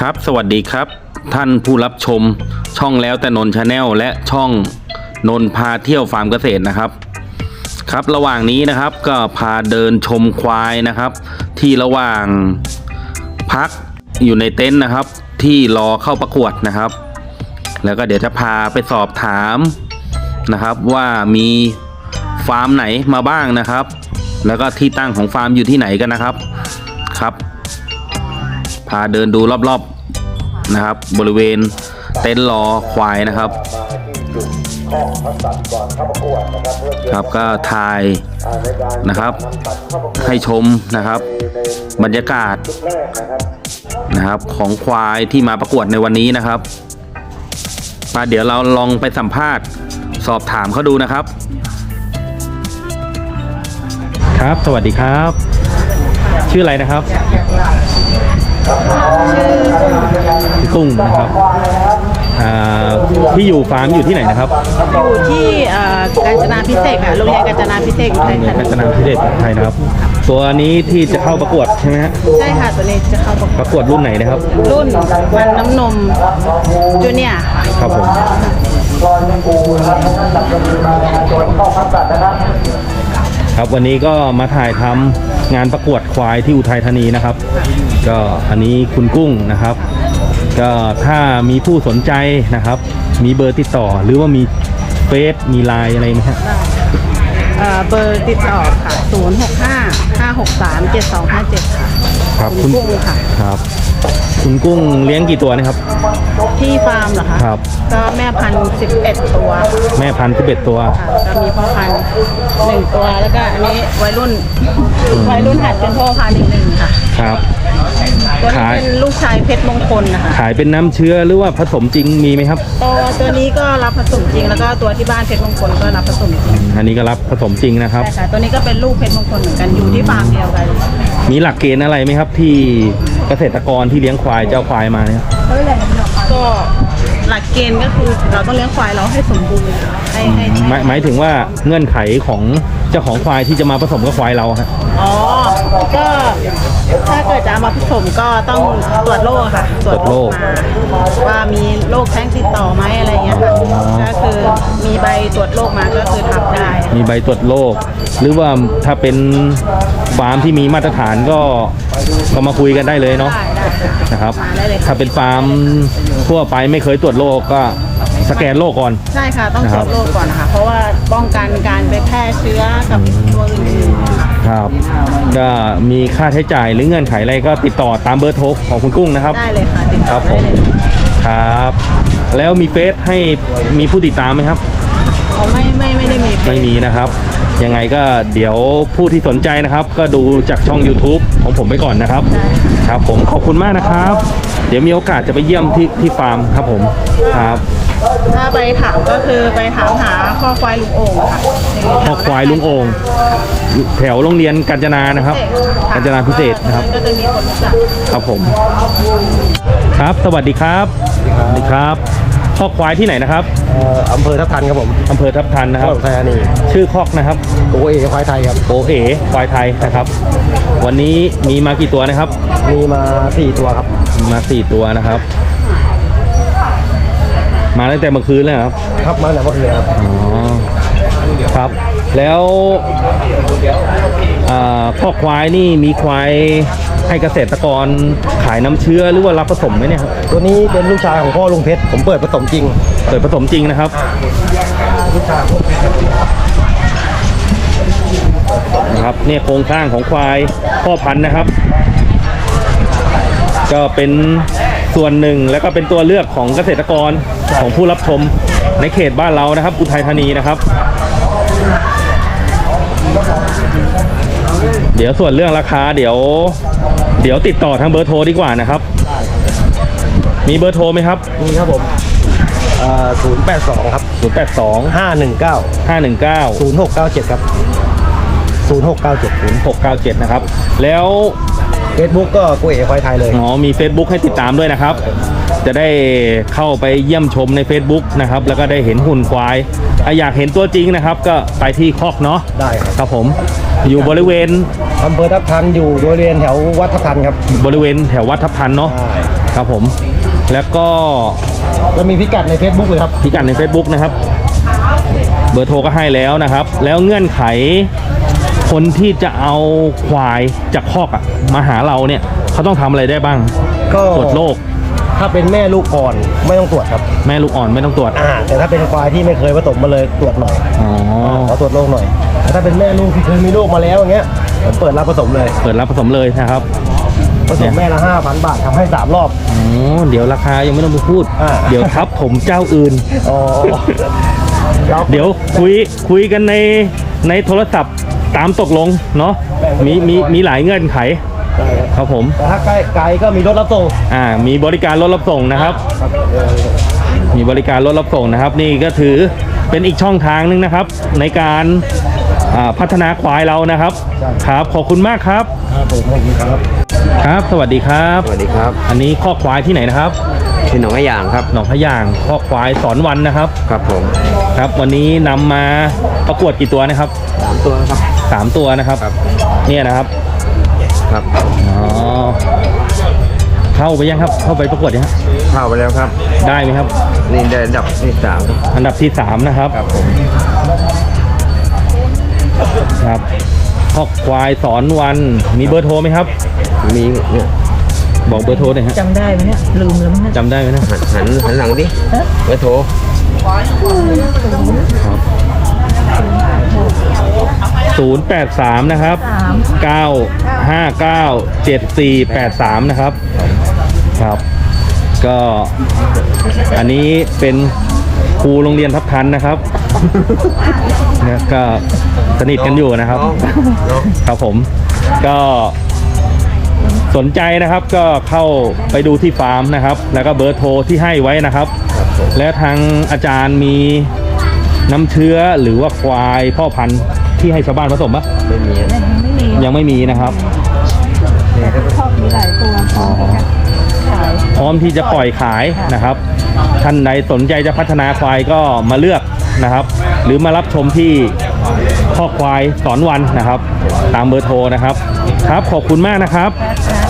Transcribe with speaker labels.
Speaker 1: ครับสวัสดีครับท่านผู้รับชมช่องแล้วแต่นนชาแนลและช่องนนพาเที่ยวฟาร์มเกษตรนะครับครับระหว่างนี้นะครับก็พาเดินชมควายนะครับที่ระหว่างพักอยู่ในเต็นท์นะครับที่รอเข้าประกวดนะครับแล้วก็เดี๋ยวจะพาไปสอบถามนะครับว่ามีฟาร์มไหนมาบ้างนะครับแล้วก็ที่ตั้งของฟาร์มอยู่ที่ไหนกันนะครับพาเดินดูรอบๆนะครับบริเวณเต็นท์รอควายนะครับครับก็ถ่ายนะครับให้ชมนะครับบรรยากาศนะครับของควายที่มาประกวดในวันนี้นะครับเดี๋ยวเราลองไปสัมภาษณ์สอบถามเขาดูนะครับครับสวัสดีครับชื่ออะไรนะครับพี่กุ้งนะครับที่อยู่ฟาร์มอยู่ที่ไหนนะครับ
Speaker 2: อยู่ที่กาญจนาพิเศษค่ะโรงเรียนกาญจนาพิเศษอุทัยธานี
Speaker 1: กาญจนาพิเศษอุทัยนะครับตัวนี้ที่จะเข้าประกวดใช่ไหมฮะ
Speaker 2: ใช่ค่ะตัวนี้จะเข้า
Speaker 1: ประกวดรุ่นไหนนะครับ
Speaker 2: รุ่นมันน้ำนมจูเนียร์
Speaker 1: ครับผมครับวันนี้ก็มาถ่ายทำงานประกวดควายที่อุทัยธานีนะครับก็อันนี้คุณกุ้งนะครับก็ถ้ามีผู้สนใจนะครับมีเบอร์ติดต่อหรือว่ามีเฟซมีไลน์อะไรไหมครับ
Speaker 2: เบอร์ติดต่อค่ะ065-563-7257ค่ะ
Speaker 1: ครับ
Speaker 2: คุณกุ้งค่ะ
Speaker 1: ครับคุณกุ้งเลี้ยงกี่ตัวนะครับ
Speaker 2: ที่ฟาร์มเหรอคะ
Speaker 1: ครับ
Speaker 2: ก็แม่พันธุ์11ตัว
Speaker 1: แม่พันธุ์11ตัว
Speaker 2: ก็มีพ่อพันธุ์1ตัวแล้วก็อันนี้วัยรุ่นหัดเป็นพ่อพันธุ์อีก1ค่ะ
Speaker 1: ครับ
Speaker 2: ตัวนี้เป็นลูกชายเพชรมงคลนะคะ
Speaker 1: ขายเป็นน้ำเชื้อหรือว่าผสมจริงมีไหมครับ
Speaker 2: ตัวนี้ก็รับผสมจริงแล้วก็ตัวที่บ้านเพชรมงคลก็รับผสมจริง
Speaker 1: อันนี้ก็รับผสมจริงนะครับ
Speaker 2: ใช่ค่ะตัวนี้ก็เป็นลูกเพชรมงคลเหมือนกันอยู่ที่ฟาร์มเดียวกัน
Speaker 1: มีหลักเกณฑ์อะไรไหมครับที่เกษตรกรที่เลี้ยงควายเจ้าควายมาเนี่ย
Speaker 2: ก็หลักเกณฑ์ก็คือเราต้องเลี้ยงควายเราให้สมบูรณ์
Speaker 1: หมายถึงว่าเงื่อนไขของเจ้าของควายที่จะมาผสมกับควายเราครับ
Speaker 2: อ๋อก็ถ้าเกิดจะมาผสมก็ต้องตรวจโรคค่ะ
Speaker 1: ตรวจโรค
Speaker 2: ว่ามีโรคแท้งติดต่อไหมอะไรเงี้ยค่ะก็คือมีใบตรวจโรคมาก็คือทำได้
Speaker 1: มีใบตรวจโรคหรือว่าถ้าเป็นฟาร์มที่มีมาตรฐานก็มาคุยกันได้เลยเนาะนะครับถ้าเป็นฟาร์มทั่วไปไม่เคยตรวจโรคก็สแกนโรคก่อน
Speaker 2: ใช่ค่ะต้องตรวจโรคก่อนนะคะเพราะว่าป้องกันการไปแพร่เชื้อกับตัวอื่น
Speaker 1: ๆครับก็มีค่าใช้จ่ายหรือเงื่อนไขอะไรก็ติดต่อตามเบอร์โทรของคุณกุ้งนะครับ
Speaker 2: ได้เลยค่ะติดต่อได้เลย
Speaker 1: ครับแล้วมีเฟซให้มีผู้ติดตามไหมครับ
Speaker 2: ไม่ได้มี
Speaker 1: ไม่มีนะครับยังไงก็เดี๋ยวผู้ที่สนใจนะครับก็ดูจากช่อง YouTube ของผมไปก่อนนะครับครับผมขอบคุณมากนะครับเดี๋ยวมีโอกาสจะไปเยี่ยมที่ฟาร์มครับผมครับ
Speaker 2: ถ้าไปถามก็คือไปถามหาข้อควายลุงโอ่งค่ะ
Speaker 1: ข้อควายลุงโอ่งแถวโรงเรียนกาญจนานะครับกาญจนาพิเศษนะครับ
Speaker 2: ก็จะมีคนรู้จัก
Speaker 1: ครับผมครับสวัสดีครับสวัสดีครับข้อควายที่ไหนนะครับ
Speaker 3: อำเภอทับทันครับผม
Speaker 1: อำเภอทับทันนะครับ
Speaker 3: อุทัยธานี
Speaker 1: ชื่อคอกนะครับ
Speaker 3: โอเอควายไทยครับ
Speaker 1: โอเอควายไทยนะครับวันนี้มีมากี่ตัวนะครับ
Speaker 3: มีมา4ตัวครับ
Speaker 1: มา4ตัวนะครับมาตั้งแต่เมื่อคืนเลยครับ
Speaker 3: ครับมาตั้งแต่เมื่อคืนครับ
Speaker 1: อ๋อครับแล้วข้อควายนี่มีควายให้เกษตรกรขายน้ำเชื้อหรือว่ารับผสมไหมเนี่ยครับ
Speaker 3: ตัวนี้เป็นลูกชายของพ่อลุงเพชรผมเปิดผสมจริง
Speaker 1: นะครับนะครับเนี่ยโครงสร้างของควายพ่อพันธุ์นะครับก็เป็นส่วนหนึ่งแล้วก็เป็นตัวเลือกของเกษตรกรของผู้รับชมในเขตบ้านเรานะครับอุทัยธานีนะครับเดี๋ยวส่วนเรื่องราคาเดี๋ยวติดต่อทางเบอร์โทรดีกว่านะครับมีเบอร์โทรไหมครับ
Speaker 3: มีครับผม082ครับ
Speaker 1: 082 519
Speaker 3: 0697ครับ0697
Speaker 1: นะครับแล้ว
Speaker 3: Facebook ก็กูเอ๋ควายไทยเลย
Speaker 1: อ๋อมี Facebook ให้ติดตามด้วยนะครับจะได้เข้าไปเยี่ยมชมใน Facebook นะครับแล้วก็ได้เห็นหุ่นควายอยากเห็นตัวจริงนะครับก็ไปที่คอกเนาะ
Speaker 3: ได้
Speaker 1: ครับผมอยู่บริเวณ
Speaker 3: อำเภอทับทันอยู่บริเวณแถววัดทับทันครับ
Speaker 1: บริเวณแถววัดทับทันเนาะครับผมแล้วก็
Speaker 3: แล้วมีพิกัดใน Facebook เลยครับ
Speaker 1: พิกัดใน Facebook นะครับ เบอร์โทรก็ให้แล้วนะครับ แล้วเงื่อนไขคนที่จะเอาควายจากคอกอะมาหาเราเนี่ยเขาต้องทำอะไรได้บ้าง
Speaker 3: ก็
Speaker 1: ตรวจโรค
Speaker 3: ถ้าเป็นแม่ลูกอ่อนไม่ต้องตรวจครับ
Speaker 1: แม่ลูกอ่อนไม่ต้องตรวจ
Speaker 3: แต่ถ้าเป็นควายที่ไม่เคยผสมมาเลยตรวจหน่อย
Speaker 1: อ๋อ
Speaker 3: ขอตรวจโรคหน่อยแต่ถ้าเป็นแม่ลูกที่เคยมีลูกมาแล้วอย่างเงี้ยผมเปิดรับผสมเลย
Speaker 1: เปิดรับผสมเลยนะครับ
Speaker 3: ผสมแม่ละ 5,000 บาททำให้3 รอบ
Speaker 1: อ๋อเดี๋ยวราคายังไม่ต้องไปพูด
Speaker 3: อ่า
Speaker 1: เดี๋ยวทับผมเจ้าอื่น
Speaker 3: อ๋อ
Speaker 1: เดี๋ยวคุยกันในโทรศัพท์ตามตกลงเนาะมีหลายเงื่อนไข
Speaker 3: ได้ครับ
Speaker 1: ครับผม
Speaker 3: แต่ถ้าใกล้ไกลก็มีรถรับส่ง
Speaker 1: มีบริการรถรับส่งนะครับ มีบริการรถรับส่งนะครับ นี่ก็ถือเป็นอีกช่องทางนึงนะครับ ในการพัฒนาควายเรานะครับ ครับขอบคุณมากครับ
Speaker 3: ครับผมขอบคุณครับ
Speaker 1: ครับ สวัสดีครับ
Speaker 4: สวัสดีครับ
Speaker 1: อันนี้ข้อกควายที่ไหนนะครับ
Speaker 4: ชื่อหนองกระยางครับ
Speaker 1: หนองพะยางข้อกควายสอนวันนะครับ
Speaker 4: ครับผม
Speaker 1: ครับ วันนี้นำมาประกวดกี่ตัวนะครับ
Speaker 4: 3 ตัวครับ
Speaker 1: 3 ตัวนะครับ
Speaker 4: ครับ
Speaker 1: เนี่ยนะครับ
Speaker 4: ครับ
Speaker 1: อ๋อเข้าไปยังครับ เข้าไปประกวดยังครับ
Speaker 4: เข้าไปแล้วครับ
Speaker 1: ได้ไหมครับ
Speaker 4: นี่ได้อันดับที่3ครับ
Speaker 1: อันดับที่ 3 นะครับ
Speaker 4: ครับผม
Speaker 1: ครับข้อควายสอนวันมีเบอร์โทรไหมครับ
Speaker 4: มีเนี่ย
Speaker 1: บอกเบอร์โทรหน่อยฮะ
Speaker 2: จำได้ไหมเนี่ยลืมแล้วมั้งเนี่ย
Speaker 1: จำได้ไหมนะ
Speaker 4: หันหลังดิไว้โทร
Speaker 1: 083 นะครับ 959 7483 นะครับ ครับ ก็อันนี้เป็นครูโรงเรียนทับทันนะครับ เนี่ยก็สนิทกันอยู่นะครับ
Speaker 4: น้อง
Speaker 1: ครับผมก็สนใจนะครับก็เข้าไปดูที่ฟาร์มนะครับ แล้วก็เบอร์โทรที่ให้ไว้นะครับ และทางอาจารย์มีน้ำเชื้อหรือว่าควายพ่อพันธุ์ที่ให้ชาวบ้านผสมปะ
Speaker 4: ไม่มี
Speaker 1: ยังไม่มีนะครับ
Speaker 2: มีหลายตัวพร้อมที่จะขาย
Speaker 1: พร้อมที่จะปล่อยขายนะครับ ท่านใดสนใจจะพัฒนาควายก็มาเลือกนะครับ หรือมารับชมที่ข้อควายสอนวันนะครับ ตามเบอร์โทรนะครับ ครับขอบคุณมากนะครับ
Speaker 2: ค่ะ